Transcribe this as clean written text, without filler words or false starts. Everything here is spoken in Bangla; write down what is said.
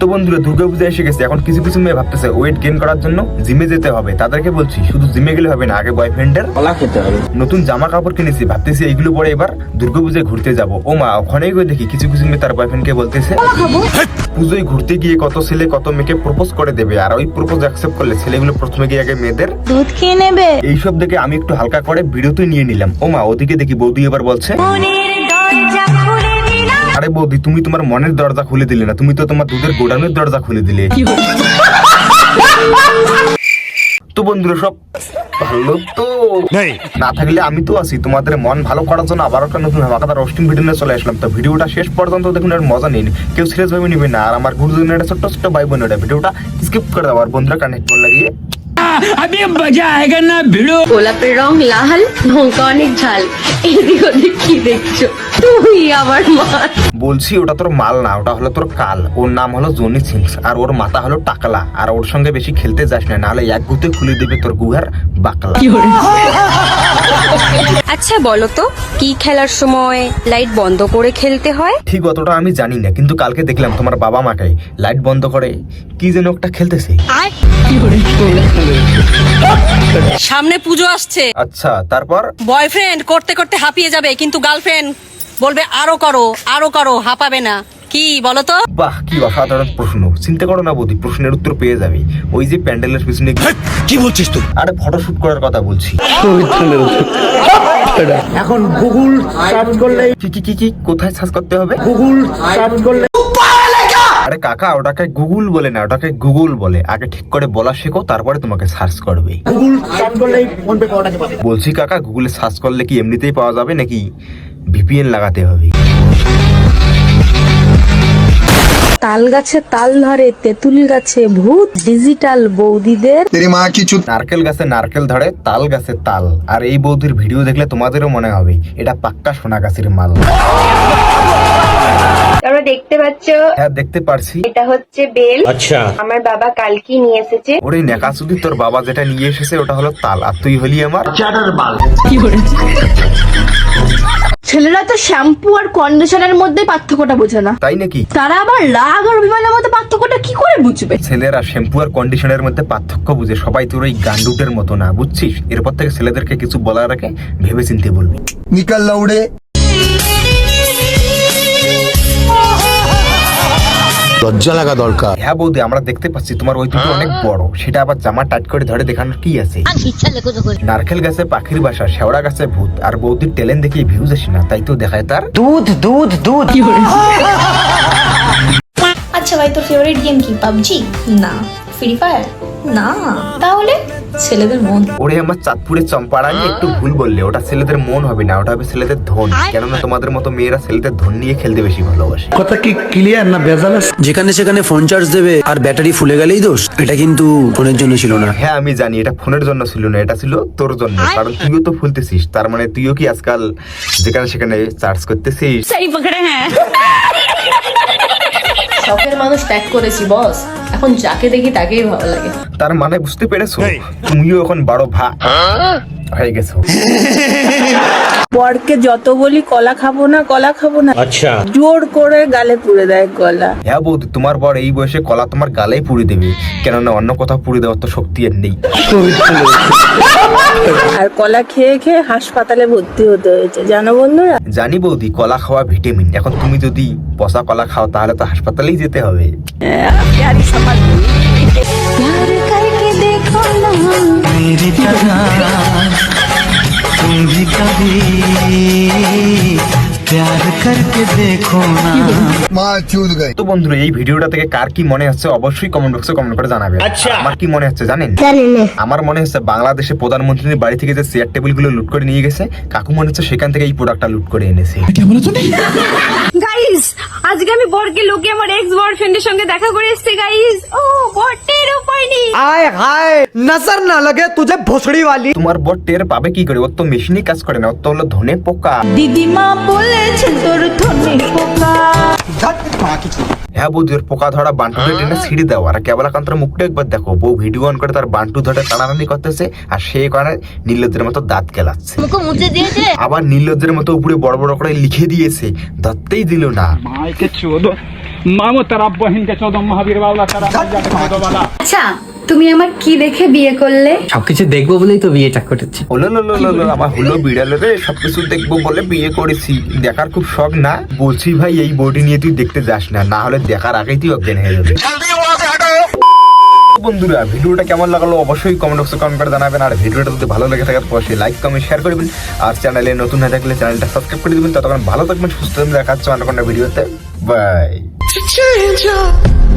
তো বন্ধুরা দুর্গাপূজা এসে গেছে, এখন কিছু কিছু মেয়ে ভাবতেছে ওয়েট গেইন করার জন্য জিমে যেতে হবে। তাদেরকে বলছি শুধু জিমে গেলে হবে না, আগে বয়ফ্রেন্ডের কলা খেতে হবে। নতুন জামা কাপড় কিনেছি, ভাবতেছি এইগুলো পরে এবার দুর্গাপূজায় ঘুরতে যাবো। ও মা, ওখানেই গিয়ে দেখি কিছু কিছু মেয়ে তার বয়ফ্রেন্ডকে বলতেছে পুজোয় ঘুরতে গিয়ে কত ছেলে কত মেয়েকে প্রপোজ করে দেবে, আর ওই প্রপোজ অ্যাকসেপ্ট করলে ছেলেগুলো প্রথমে গিয়ে আগে মেয়েদের দুধ খেয়ে নেবে। এইসব দেখে আমি একটু হালকা করে ভিডিওতে নিয়ে নিলাম। ও মা, ওদিকে দেখি বৌদি এবার বলছে আরে বৌদি, তুমি তোমার মনের দরজা খুলে দিলে না, তুমি তো তোমার দুধের গোডাউনের দরজা খুলে দিলে। তো বন্ধুরা সব ভালো তো না থাকলে আমি তো আছি তোমাদের মন ভালো করার জন্য আবার একটা নতুন হামাকাদার রোস্টিং ভিডিও নিয়ে চলে আসলাম। তো ভিডিওটা শেষ পর্যন্ত দেখুন, আর মজা নেই, কেউ সিরিয়াস ভাবে নিবে না। আর আমার গুরুজনের ছোট্ট ছোট্ট ভাই বোনেরা ভিডিওটা স্কিপ করে দাও আর বন্ধুরা কানেক্ট করে লাগিয়ে अभी मजा आएगा ना भिड़ो। গোলাপের রং লাল, লঙ্কা অনেক ঝাল, এদিক ওদিক কি দেখছো তুই আমার মা? বলছি ওটা তোর মাল না, ওটা হলো তোর কাল। ওর নাম হলো জনি সিংস আর ওর মাথা হলো টাকলা। আর ওর সঙ্গে বেশি খেলতে যাস না, নাহলে এক গুতে খুলে দেবে তোর গুহার বাকলা। আচ্ছা বলো তো, কি খেলার সময় লাইট বন্ধ করে খেলতে হয়? ঠিক অতটা আমি জানি না, কিন্তু কালকে দেখলাম তোমার বাবা মাকে লাইট বন্ধ করে কি যেন একটা খেলতেছে। সামনে পুজো আসছে, আচ্ছা তারপর বয়ফ্রেন্ড করতে করতে হাঁপিয়ে যাবে, কিন্তু গার্লফ্রেন্ড বলবে আরো করো আরো করো, হাঁপাবে না। কি বলো তো? বাহ, কি অসাধারণ প্রশ্ন। চিন্তা করো না বৌদি, প্রশ্নের উত্তর পেয়ে যাবে। ওই যে প্যান্ডেলের পিছনে কি বলছিস তুই? আরে ফটোশুট করার কথা বলছি। এখন গুগল সার্চ করলে কি কি কি কি কোথায় সার্চ করতে হবে? গুগল সার্চ করলে আরে কাকা, ওটাকে গুগল বলে না, ওটাকে গুগল বলে। আগে ঠিক করে বলা শেখো, তারপরে তোমাকে সার্চ করবে। গুগল সার্চ করলেই ফোন পে পাওয়া যাবে। বলছি কাকা, গুগলে সার্চ করলে কি এমনিতেই পাওয়া যাবে নাকি ভিপিএন লাগাতে হবে? তাল গাছে তাল ধরে, তেঁতুল গাছে ভূত, ডিজিটাল বৌদিদের নারকেল গাছে নারকেল ধরে, তাল গাছে তাল। আর এই বৌদির ভিডিও দেখলে তোমাদেরও মনে হবে এটা পাক্কা সোনা গাছের মাল। তোমরা দেখতে পাচ্ছ, হ্যাঁ দেখতে পারছি। এটা হচ্ছে বেল। अच्छा আমার বাবা কালকে নিয়ে এসেছে। ওরে নেকাসুদি, তোর বাবা যেটা নিয়ে এসেছে ওটা হলো তাল, আর তুই হলি আমার ছেলেরা তো শ্যাম্পু আর কন্ডিশনারের মধ্যে পার্থক্যটা বোঝে না, তাই নাকি? তারা আবার রাগ আর অভিমানের মধ্যে পার্থক্যটা কি করে বুঝবে? ছেলেরা শ্যাম্পু আর কন্ডিশনের মধ্যে পার্থক্য বুঝে, সবাই তোর ওই গান্ডুটের মতো না, বুঝছিস? এরপর থেকে ছেলেদেরকে কিছু বলার আগে ভেবে চিনতে বলবি। নিকাল লাউড়ে লজ্জা লাগা দরকার। হ্যাঁ বৌদি, আমরা দেখতে পাচ্ছি তোমার ওই দুটো অনেক বড়, সেটা আবার জামা টাইট করে ধরে দেখানোর কি আছে? নারকেল গাছে পাখির বাসা, শেওড়া গাছে ভূত, আর বৌদির ট্যালেন্ট দেখিয়ে ভিউজ আসে না, তাই তো দেখায় তার দুধ দুধ দুধ। আচ্ছা ভাই, তোর ফেভারিট গেম কি? পাবজি? না। Free Fire? না। তাহলে ছেলেদের মন। ওরে আমার চাঁদপুরের চম্পাড়ানি একটু ভুল বললে, ওটা ছেলেদের মন হবে না, ওটা হবে ছেলেদের ধন। কেননা তোমাদের মতো মেয়েরা ছেলেদের ধন নিয়ে খেলতে বেশি ভালোবাসে। কথা কি ক্লিয়ার না ভেজাল আছে? যেখানে সেখানে ফোন চার্জ দেবে আর ব্যাটারি ফুলে গেলেই দোষ। এটা কিন্তু ফোনের জন্য ছিল না। হ্যাঁ আমি জানি, এটা ফোনের জন্য ছিল না, এটা ছিল তোর জন্য। কারণ তুইও তো ফুলতেছিস, তার মানে তুইও কি আজকাল যেখানে সেখানে চার্জ করতেছিস? সেই পকড়ে হ্যাঁ। শখের মানুষ ত্যাগ করেছি বস, এখন যাকে দেখি তাকেই ভালো লাগে। তার মানে বুঝতে পেরেছো, তুমিও এখন বড় হয়ে গেছো। বরকে যত বলি কলা খাবো না কলা খাবো না, अच्छा জোর করে গালে পুড়ে দেয় কলা। হ্যাঁ বৌদি, তোমার বর এই বয়সে কলা তোমার গালেই পুড়ে দেবে, কেননা অন্য কোথাও পুড়ে দেওয়ার তো শক্তি আর নেই। আর কলা খেয়ে খেয়ে হাসপাতালে ভর্তি হতে হয়েছে, জানো বন্ধুরা? জানি বৌদি, কলা খাওয়া ভিটামিন। এখন তুমি যদি পচা কলা খাও তাহলে তো হাসপাতালেই যেতে হবে। প্যারি সমাজ তো বন্ধুরা, এই ভিডিওটা থেকে কার কি মনে হচ্ছে অবশ্যই কমেন্ট বক্সে কমেন্ট করে জানাবে। আমার কি মনে হচ্ছে জানেন? আমার মনে হচ্ছে বাংলাদেশে প্রধানমন্ত্রীর বাড়ি থেকে যে চেয়ার টেবিল গুলো লুট করে নিয়ে গেছে, কাকু মনে হচ্ছে সেখান থেকে এই প্রোডাক্টটা লুট করে এনেছে। গাইস, আজকে আমি বরকে লোকে আমার এক্স বয়ফ্রেন্ডের সঙ্গে দেখা করে এসেছি গাইস। ও বটের উপায় নেই। আয় হায়, নজর না লাগে তুঝে ভোসড়ি वाली। তোমার বর টের পাবে কি করে? ওর তো মেশিনই কাজ করে না, ওর তো হলো ধনে পোকা। দিদিমা বলেছে তোর ধনে পোকা। হ্যাঁ বৌদি, ওর পোকা ধরা বান্টুটা টেনে ছিঁড়ে দাও। আর কেবলাকান্তর মুখটা একবার দেখো, বউ ভিডিও অন করে তার বান্টু ধরে টানাটানি করতেছে, আর সেই কারণে নীলজ্জের মতো দাঁত কেলাচ্ছে। আবার নীলজ্জের মতো উপরে বড় বড় করে লিখে দিয়েছে, ধরতেই দিল না। मामो तेरा बहन के 14 महावीर वाला तेरा वाला আচ্ছা তুমি আমার কি দেখে বিয়ে করলে? সবকিছু দেখবো বলেই তো বিয়েটা করেছি। হলো আমার হলো বিড়ালে রে, সবকিছু দেখবো বলে বিয়ে করেছি। দেখার খুব শখ না? বলছি ভাই এই বডি নিয়ে তুই দেখতে যাস না, না হলে দেখার আগেই তুই অজ্ঞান হয়ে যাবে। বন্ধুরা ভিডিওটা কেমন লাগলো অবশ্যই কমেন্ট বক্সে কমেন্ট করে জানাবেন, আর ভিডিওটা যদি ভালো লেগে থাকে অবশ্যই লাইক কমেন্ট শেয়ার করবেন, আর চ্যানেলে নতুন হয়ে থাকলে চ্যানেলটা সাবস্ক্রাইব করে দিবেন। ততক্ষণ ভালো থাকবেন, সুস্থ থাকবেন, দেখা হচ্ছে অন্য কোনো ভিডিওতে। বাই।